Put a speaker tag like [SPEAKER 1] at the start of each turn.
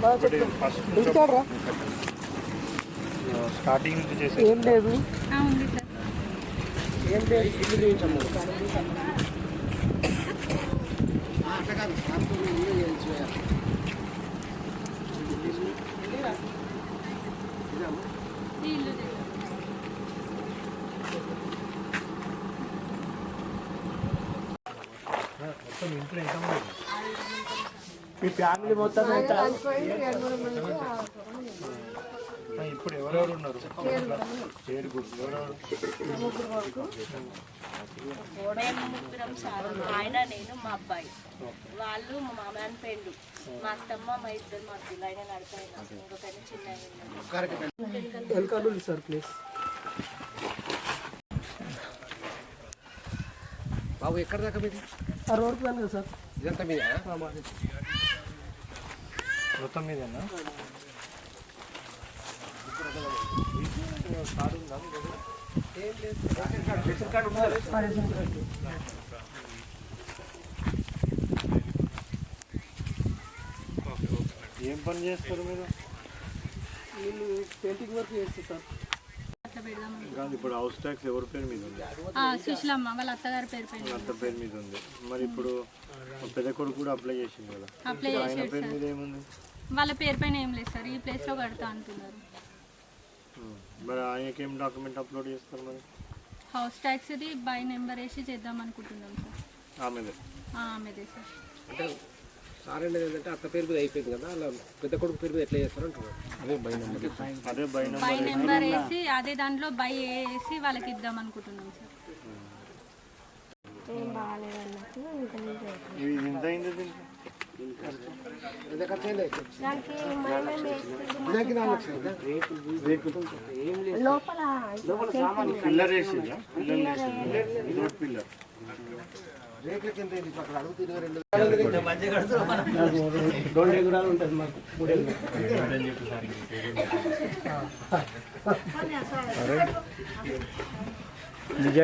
[SPEAKER 1] Starting నుంచి చేసే
[SPEAKER 2] ఏం లేదు
[SPEAKER 3] ఉంది సార్.
[SPEAKER 2] ఏం లేదు ఇల్లు చూపించమ్మా.
[SPEAKER 3] ఈ ఇల్లు
[SPEAKER 1] మొత్తం ఇంట్లో ఎంత ఉంది?
[SPEAKER 2] మీ ఫ్యామిలీ మొత్తం ఎంత?
[SPEAKER 1] ఇప్పుడు ఎవరెవరు ఉన్నారు? ఏడుగురు. ఎవరెవరు?
[SPEAKER 4] మేము ముగ్గురం సార్, ఆయన నేను మా అబ్బాయి, వాళ్ళు మా మామయ్య పెండు, మా అత్తమ్మ మా ఇద్దరు మా పిల్ల ఆయన నడిపోయినా ఇంకొక చిన్న
[SPEAKER 2] వెల్కమ్ సార్ ప్లీజ్.
[SPEAKER 5] బాబు ఎక్కడ దాకా మీది?
[SPEAKER 2] ఆ రోడ్కి వెళ్ళి కదా సార్.
[SPEAKER 5] ఇదంతా మీద
[SPEAKER 1] మొత్తం మీదేనా? ఏం పని చేస్తారు మీరు?
[SPEAKER 2] వీళ్ళు పెయింటింగ్ వర్క్ చేస్తారు సార్.
[SPEAKER 3] అట్లా పెడదామని.
[SPEAKER 1] కాదు, ఇప్పుడు హౌస్ ట్యాక్స్ ఎవరి పేరు మీద ఉంది?
[SPEAKER 3] సుశీలమ్మ వాళ్ళ అత్తగారి పేరు పైన.
[SPEAKER 1] అత్త పేరు మీద ఉంది. మరి ఇప్పుడు పెద్ద కొడుకు కూడా అప్లై చేసింది కదా,
[SPEAKER 3] అప్లై
[SPEAKER 1] ఆయన
[SPEAKER 3] చేసాడు
[SPEAKER 1] పేరు
[SPEAKER 3] సార్.
[SPEAKER 1] మీద ఏముంది?
[SPEAKER 3] వాళ్ళ పేరు పైన ఏం లేదు సార్, ఈ ప్లేస్లో కడతా అంటున్నారు.
[SPEAKER 1] మరి ఆయనకి ఏం డాక్యుమెంట్ అప్లోడ్ చేస్తారు మరి?
[SPEAKER 3] హౌస్ ట్యాక్స్ది బై నెంబర్ వేసి చేద్దాం అనుకుంటున్నాం సార్.
[SPEAKER 1] ఆమెదే.
[SPEAKER 3] ఆమెదే సార్.
[SPEAKER 5] అంటే సార్ అనేది ఏంటంటే అత్త పేరు మీద అయిపోయింది కదా, అలా పెద్ద కొడుకు పేరు మీద ఎట్లా చేస్తారు అంటున్నారు.
[SPEAKER 1] అదే బై
[SPEAKER 3] బై నెంబర్ వేసి అదే దాంట్లో బై వేసి వాళ్ళకి ఇద్దాం అనుకుంటున్నాం సార్.
[SPEAKER 1] ఇది ఎంత అయింది దీనికి?
[SPEAKER 5] ఎంత ఖర్చు అయింది?
[SPEAKER 1] పిల్లర్ వేసిందా? పిల్లర్ పిల్లర్
[SPEAKER 5] రేట్లకి ఎంత అయింది? అక్కడ అడుగుతుంది 2
[SPEAKER 2] 2 ఎకరాలు ఉంటుంది మాకు. 3 ఎకరాలు.